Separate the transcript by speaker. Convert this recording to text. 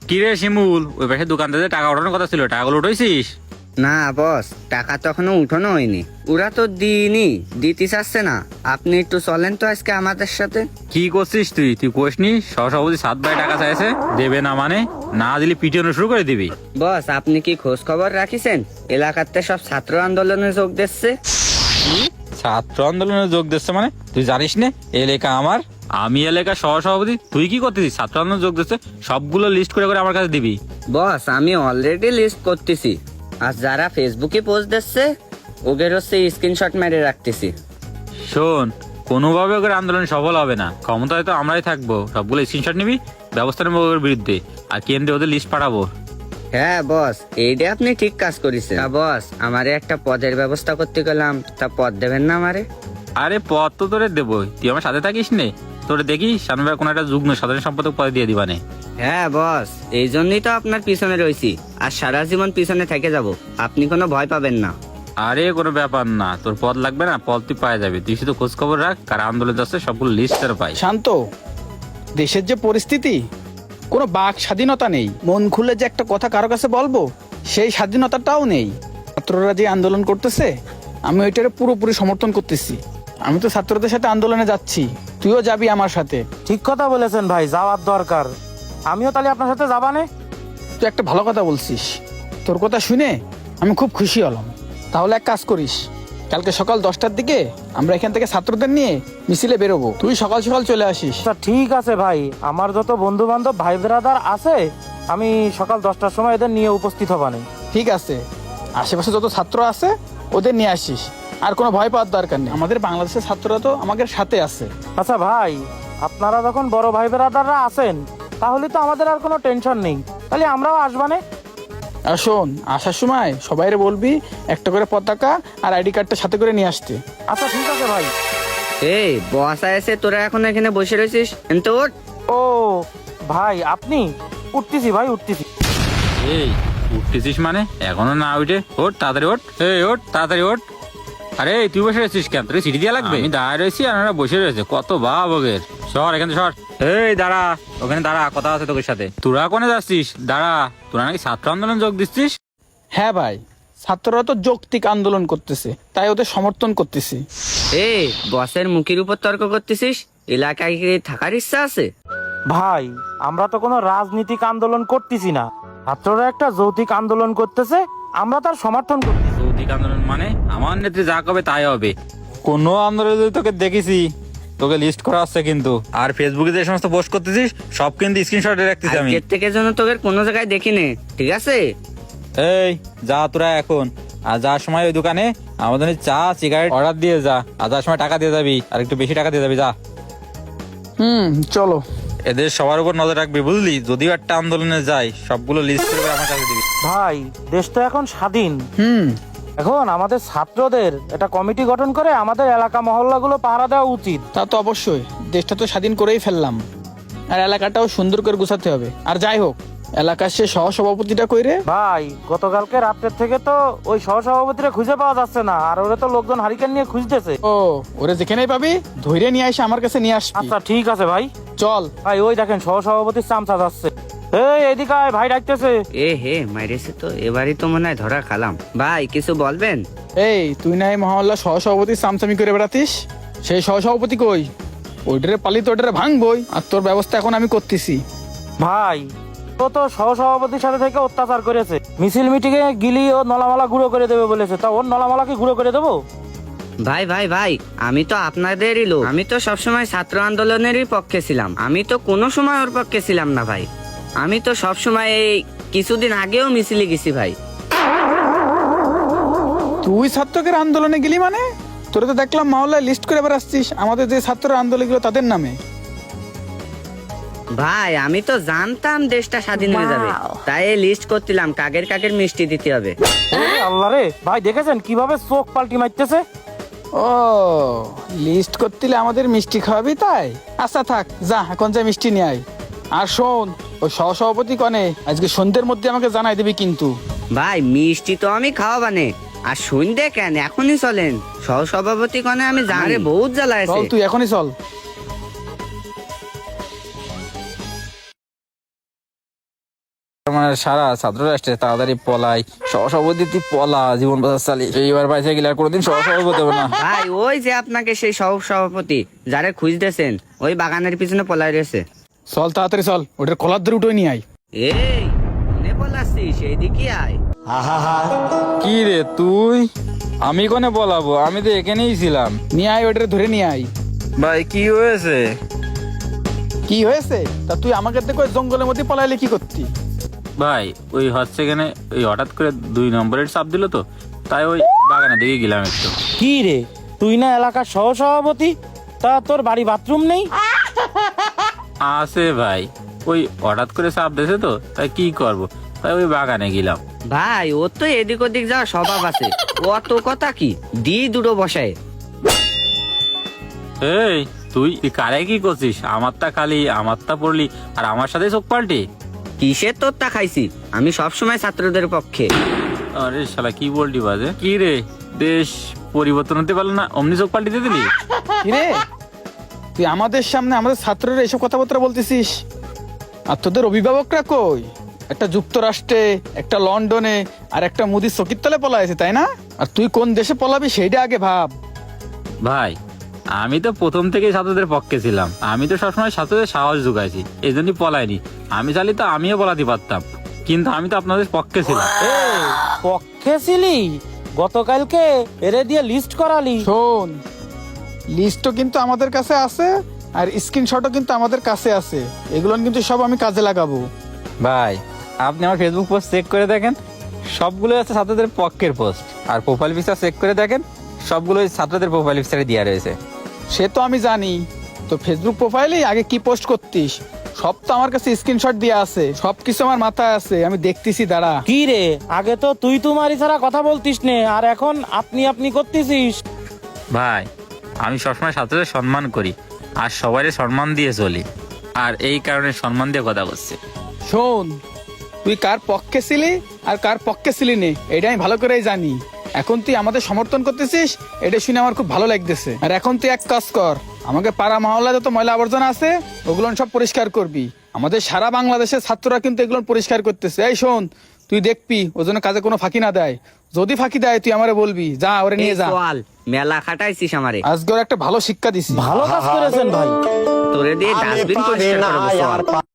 Speaker 1: কি রে শিমুল, ওই পাশে দোকান থেকে টাকা ওঠানোর কথা ছিল, টাকাগুলো উঠাইছিস?
Speaker 2: না বস, টাকা তো এখনো উঠানো হয়নি। ওরা তো দিইনি, দিতে চাচ্ছে না। আপনি একটু চলেন তো আজকে আমাদের সাথে।
Speaker 1: কি করছিস তুই? তুই কোসনি সহসভাপতি 7 ভাই টাকা চাইছে, দেবে না মানে? না দিলে পিটিয়ে শুরু করে দিবি।
Speaker 2: বস, আপনি কি খোঁজ খবর রাখিছেন এলাকাতে সব ছাত্র আন্দোলনে যোগ দিচ্ছে?
Speaker 1: ছাত্র আন্দোলনে যোগ দিচ্ছে মানে? তুই জানিস না এলাকা আমার? আমি এলাকার সহসভাপতি, তুই কি করতেছিস? ছাত্র আন্দোলন যোগ দিচ্ছে, সবগুলো লিস্ট করে করে আমার কাছে দিবি।
Speaker 2: বস, আমি অলরেডি লিস্ট করতেছি। আর যারা ফেসবুকে পোস্ট দিচ্ছে ওদের হচ্ছে স্ক্রিনশট মেরে রাখতেছি।
Speaker 1: শোন, কোনোভাবে ওদের আন্দোলন সফল হবে না। ক্ষমতায় তো আমরাই থাকবো, সবগুলো স্ক্রিনশট নিবি, ব্যবস্থা নেবো ওদের বিরুদ্ধে, আর কেন্দ্রে ওদের লিস্ট পাঠাবো।
Speaker 2: হ্যাঁ বস, এইটা আপনি ঠিক কাজ করেছেন। তা বস, আমারে একটা পদের ব্যবস্থা করতে গেলাম, তা পদ দেবেন না আমারে?
Speaker 1: আরে পদ তো তোরে দেবই, তুই আমার সাথে থাকিস নে। তোরে দেখি সামনে কোন একটা যুগ্ম সাধারণ সম্পাদক পদে দিয়ে দিবানে।
Speaker 2: হ্যাঁ বস, এই জন্যই তো আপনার পিছনে রয়েছি, আর সারা জীবন পিছনে থেকে যাব। আপনি কোনো ভয় পাবেন না।
Speaker 1: আরে কোনো ব্যাপার না, তোর পদ লাগবে না, পদ তুই পাওয়া যাবে। তুই শুধু খোঁজ খবর রাখ, কার আন্দোলন যাচ্ছে সবগুলো লিস্ট তোর পাই।
Speaker 3: শান্ত, দেশের যে পরিস্থিতি, কোনো বাক স্বাধীনতা নেই। মন খুলে যে একটা কথা কারো কাছে বলবো, সেই স্বাধীনতাটাও নেই। ছাত্ররা যে আন্দোলন করতেছে, আমি ওইটারে পুরোপুরি সমর্থন করতেছি। আমি তো ছাত্রদের সাথে আন্দোলনে যাচ্ছি, তুইও যাবি আমার সাথে।
Speaker 4: ঠিক কথা বলেছেন ভাই, যাওয়ার দরকার। আমিও তাহলে আপনার সাথে যাবানে।
Speaker 3: তুই একটা ভালো কথা বলছিস, তোর কথা শুনে আমি খুব খুশি হলাম। তাহলে এক কাজ করিস, কালকে সকাল 10টার দিকে আমরা এখান থেকে ছাত্রদের নিয়ে মিছিলে বেরোবো। তুই সকাল সকাল চলে আসিস।
Speaker 4: আচ্ছা ঠিক আছে ভাই, আমার যত বন্ধু বান্ধব ভাই ব্রাদার আছে, আমি সকাল 10টার সময় এদের নিয়ে উপস্থিত হবানে।
Speaker 3: ঠিক আছে, আশেপাশে যত ছাত্র আছে ওদের নিয়ে আসিস। আর কোনো ভয় পাওয়ার দরকার নেই, আমাদের বাংলাদেশের ছাত্ররা তো আমাদের সাথে আছে।
Speaker 4: আচ্ছা ভাই, আপনারা যখন বড় ভাই ব্রাদাররা আছেন, তাহলে তো আমাদের আর কোনো টেনশন নেই। তাহলে আমরাও আসবানে।
Speaker 3: আর শোন, আসার সময় সবাইরে বলবি একটা করে পতাকা আর আইডি কার্ডটা সাথে করে নিয়ে আসতে।
Speaker 4: আচ্ছা ঠিক আছে ভাই।
Speaker 2: এই বস এসে তোরা এখন এখানে বসে রয়েছিস, কিন্তু ওঠ।
Speaker 4: ও ভাই, আপনি? উঠতেছি ভাই, উঠতেছি।
Speaker 1: এই উঠতেছিস মানে? এখনো না উঠে? ওঠ তাড়াতাড়ি ওঠ, এই ওঠ তাড়াতাড়ি ওঠ। আরে তুই বসে রয়েছিস কেন? তোর সিটি দিয়া লাগবে? আমি দাঁড়ায় রয়েছি আর ওরা বসে রয়েছে, কত ভাব ওদের। সর এখানে সর। এই দাঁড়া, ওখানে দাঁড়া, কথা আছে তোর সাথে। তোরা কোনে যাচ্ছিস? দাঁড়া, তোরা নাকি ছাত্র আন্দোলন যোগ দিচ্ছিস?
Speaker 3: হ্যাঁ ভাই, ছাত্ররা তো যৌক্তিক আন্দোলন করতেছে, তাই ওদের সমর্থন করতেছি।
Speaker 2: এই বসের মুখের উপর তর্ক করতেছিস? এলাকায় কি থাকার ইচ্ছা আছে?
Speaker 4: ভাই, আমরা তো কোনো রাজনীতিক আন্দোলন করতেছি না। ছাত্ররা একটা যৌতিক আন্দোলন করতেছে, আমরা তার সমর্থন করতেছি।
Speaker 1: যৌতিক আন্দোলন মানে? আমার নেত্রী যা কবে তাই হবে। কোনো আন্দোলনে যদি তোকে দেখেছি, তোকে লিস্ট করা আছে কিন্তু। আর ফেসবুকে যে সমস্ত পোস্ট করতেছিস সব কিন্তু স্ক্রিনশটে রাখতেছি আমি।
Speaker 2: আজকের থেকে যেন তোদের কোনো জায়গায় দেখিনি, ঠিক আছে?
Speaker 1: এই যা তোরা এখন, আর যাওয়ার সময় ওই দোকানে আমাদের চা সিগারেট অর্ডার দিয়ে যা, আর যাওয়ার সময় টাকা দিয়ে যাবি, আর একটু বেশি টাকা দিয়ে যাবি, যা।
Speaker 3: চলো।
Speaker 1: এদের সবার উপর নজর রাখবি, বুঝলি? যদিও একটা আন্দোলনে যাই, সবগুলো লিস্ট করে আমার কাছে দিবি।
Speaker 4: ভাই, দেশ তো এখন স্বাধীন। এখন আমাদের ছাত্রদের একটা কমিটি গঠন করে আমাদের এলাকা মহল্লাগুলো পাহারা দেওয়া উচিত।
Speaker 3: তা তো অবশ্যই, দেশটা তো স্বাধীন করেই ফেললাম, আর এলাকাটাও সুন্দর করে গুছাতে হবে। আর যাই হোক, এলাকার সে সহসভাপতিটা কইরে।
Speaker 4: ভাই, গতকালকে রাত্রের থেকে তো ওই সহসভাপতিরা খুঁজে পাওয়া যাচ্ছে না, আর ওরা তো লোকজন হারিকেন নিয়ে খুঁজতেছে।
Speaker 3: ও, ওরে যেখানেই পাবি ধৈর্য নিয়ে এসে আমার কাছে নিয়ে আসবি।
Speaker 4: আচ্ছা ঠিক আছে ভাই।
Speaker 3: চল
Speaker 4: ভাই, ওই দেখেন সহসভাপতির চামচা যাচ্ছে। এই এদিকে আয়, ভাই ডাকতেছে।
Speaker 2: এ হে মাইরেছে তো, এবারই তো মনে হয় ধরা খালাম। ভাই কিছু বলবেন?
Speaker 3: এই, তুই না এই মহল্লা সহসভাপতির চামচামি করে বেড়াতিস? সেই সহসভাপতি কই? ওইটারে পালি তো ওইটারে ভাঙবই, আর তোর ব্যবস্থা এখন আমি করতেছি।
Speaker 4: ভাই, ও তো সহসভাপতির সাথে থেকে অত্যাচার করেছে। মিছিল মিটিংয়ে গিলি ও নলামালা গুঁড়ো করে দেবে বলেছে, তা ওর নলামালা কি গুঁড়ো করে দেবো?
Speaker 2: ভাই ভাই ভাই, আমি তো আপনাদেরই লোক। আমি তো সবসময় ছাত্র আন্দোলনেরই পক্ষে ছিলাম, আমি তো কোনো সময় ওর পক্ষে ছিলাম না ভাই। আমি তো সবসময় এই কিছুদিন আগেও মিছিলে গেছি ভাই।
Speaker 3: তুই ছাত্রদের আন্দোলনে গেলি মানে? তোরা তো দেখলাম মহল্লায় লিস্ট করে বেড়াচ্ছিস আমাদের যে ছাত্র আন্দোলন গুলো তাদের নামে।
Speaker 2: ভাই আমি তো জানতাম দেশটা স্বাধীন হয়ে যাবে, তাই লিস্ট করছিলাম কাকের কাকের মিষ্টি দিতে হবে।
Speaker 4: আল্লাহ রে, ভাই দেখেছেন কিভাবে চোখ পাল্টি মারতেছে?
Speaker 3: ও, লিস্ট করতিলে আমাদের মিষ্টি খাওয়াবি তাই? আচ্ছা থাক, যা এখন যা মিষ্টি নিয়ে আয়। আর শোন, ওই সহসভাপতি কনে আজকে সন্ধ্যের মধ্যে আমাকে জানাই দিবি কিন্তু।
Speaker 2: ভাই মিষ্টি তো আমি খাওয়াবানে, আর শুনতে কেন, এখনই চলেন। সহসভাপতি কনে আমি জানি, বহুত জ্বালা আছে।
Speaker 3: চল, তুই এখনই চল।
Speaker 1: মানে সারা ছাত্র রাষ্ট্রে তাড়াতাড়ি পলাই, সহসভাপতি তুই পলা, জীবন বাজার চালি, এইবার পাইছে গেলে আর কোনোদিন সহসভাপতি হবে না।
Speaker 2: ভাই ওই যে আপনাকে সেই সভাপতি যারে খুঁজতেছেন ওই বাগানের পিছনে পলাই রয়েছে।
Speaker 3: চল তাড়াতাড়ি চল, ওটার কলার ধরে উঠে নিয়ে আয়।
Speaker 2: এই মনে পলাচ্ছি সেই দিকে আয়।
Speaker 1: কি রে তুই? আমি কোনে বলাবো, আমি তো এখানেই ছিলাম।
Speaker 3: নিয়ে আয়, ওটারে ধরে নিয়ে আয়।
Speaker 1: ভাই কি হয়েছে?
Speaker 3: কি হয়েছে? তা তুই আমাকে দেখো ওই জঙ্গলের মধ্যে পলাইলে কি করতি?
Speaker 1: ভাই ওই হচ্ছে এখানে ওই হঠাৎ করে 2 নম্বরের চাপ দিল তো, তাই ওই বাগানের দিকে গেলাম একটু।
Speaker 4: কি রে, তুই না এলাকার সহসভাপতি, তা তোর বাড়ি বাথরুম নেই?
Speaker 1: আছে ভাই, ওই হঠাৎ করে চাপ দিয়েছে তো, তাই কি করব, তাই ওই বাগানে গেলাম।
Speaker 2: ভাই ওর তো এদিক ওদিক যাওয়ার স্বভাব আছে, অত কথা কি দি দুটো বসায়।
Speaker 1: এই তুই কারে কি করছিস? আমারটা খালি আমারটা পড়লি আর আমার সাথে চোখ পাল্টি।
Speaker 2: কিসের তোরটা খাইছি? আমি সবসময় ছাত্রদের পক্ষে।
Speaker 1: আরে শালা কি বলটি বাজে? কি রে, দেশ পরিবর্তন হতে পারলো না, অমনি চোখ পাল্টি দিয়ে দিলি?
Speaker 3: কি রে, তুই আমাদের সামনে আমাদের ছাত্ররা এসব কথাবার্তা বলতেছিস? আর তোদের অভিভাবকরা কই? একটা যুক্তরাষ্ট্রে, একটা লন্ডনে, আর একটা মুদির চকির তলে পলাইছে, তাই না? আর তুই কোন দেশে পলাবি সেইটা আগে ভাব।
Speaker 1: ভাই আমি তো প্রথম থেকেই ছাত্রদের পক্ষে ছিলাম, আমি তো সবসময় ছাত্রদের সাহস যোগাইছি, এই জন্যই পলাইনি। আমি চাইলে তো আমিও পলাতে পারতাম, কিন্তু আমি তো আপনাদের পক্ষে ছিলাম।
Speaker 4: এই পক্ষে ছিলি? গতকালকে এরে দিয়ে লিস্ট করালি।
Speaker 3: শোন, লিস্টও কিন্তু আমাদের কাছে আছে, আর স্ক্রিনশটও কিন্তু আমাদের কাছে আছে। এগুলো কিন্তু সব আমি কাজে লাগাবো।
Speaker 1: ভাই আপনি আমার ফেসবুক পোস্ট চেক করে দেখেন, সবগুলো আছে ছাত্রদের পক্ষের পোস্ট। আর প্রোফাইল পিকচার চেক করে দেখেন, সবগুলো ছাত্রদের প্রোফাইল পিকচারে দেওয়া রয়েছে।
Speaker 3: সে তো আমি জানি, তো ফেসবুক প্রোফাইলে আগে কি পোস্ট করতিস সব তো আমার কাছে স্ক্রিনশট দিয়ে আছে, সবকিছু আমার মাথায় আছে, আমি দেখতেছি, দাঁড়া।
Speaker 4: কি রে, আগে তো তুই তুমারি ছাড়া কথা বলতিস নে, আর এখন আপনি আপনি করতেছিস।
Speaker 1: ভাই আমি সবসময় ছাত্রদের সম্মান করি আর সবাই সম্মান দিয়ে চলি, আর এই কারণে সম্মান দিয়ে কথা বলছি।
Speaker 3: শোন, তুই কার পক্ষে ছিলি আর কার পক্ষে ছিলি নে এটা আমি ভালো করেই জানি। এখন তুই আমাদের সমর্থন করতেছিস, এটা শুনে আমার খুব ভালো লাগতেছে। আর এখন তুই এক কাজ কর, আমাকে পাড়া মহল্লায় যত ময়লা আবর্জনা আছে ওগুলো সব পরিষ্কার করবি। আমাদের সারা বাংলাদেশের ছাত্ররা কিন্তু এগুলো পরিষ্কার করতেছে। এই শোন, তুই দেখবি ও যেন কাজে কোনো ফাঁকি না দেয়। যদি ফাঁকি দেয় তুই আমারে বলবি, যা ওরে নিয়ে যা।
Speaker 2: চল, মেলা খাটাইছিস আমারে,
Speaker 3: আজকে ওর একটা ভালো শিক্ষা দিছি।
Speaker 4: ভালো কাজ করেছেন ভাই।
Speaker 2: তোরে দিয়ে ডাস্টবিন পরিষ্কার করবো, চল।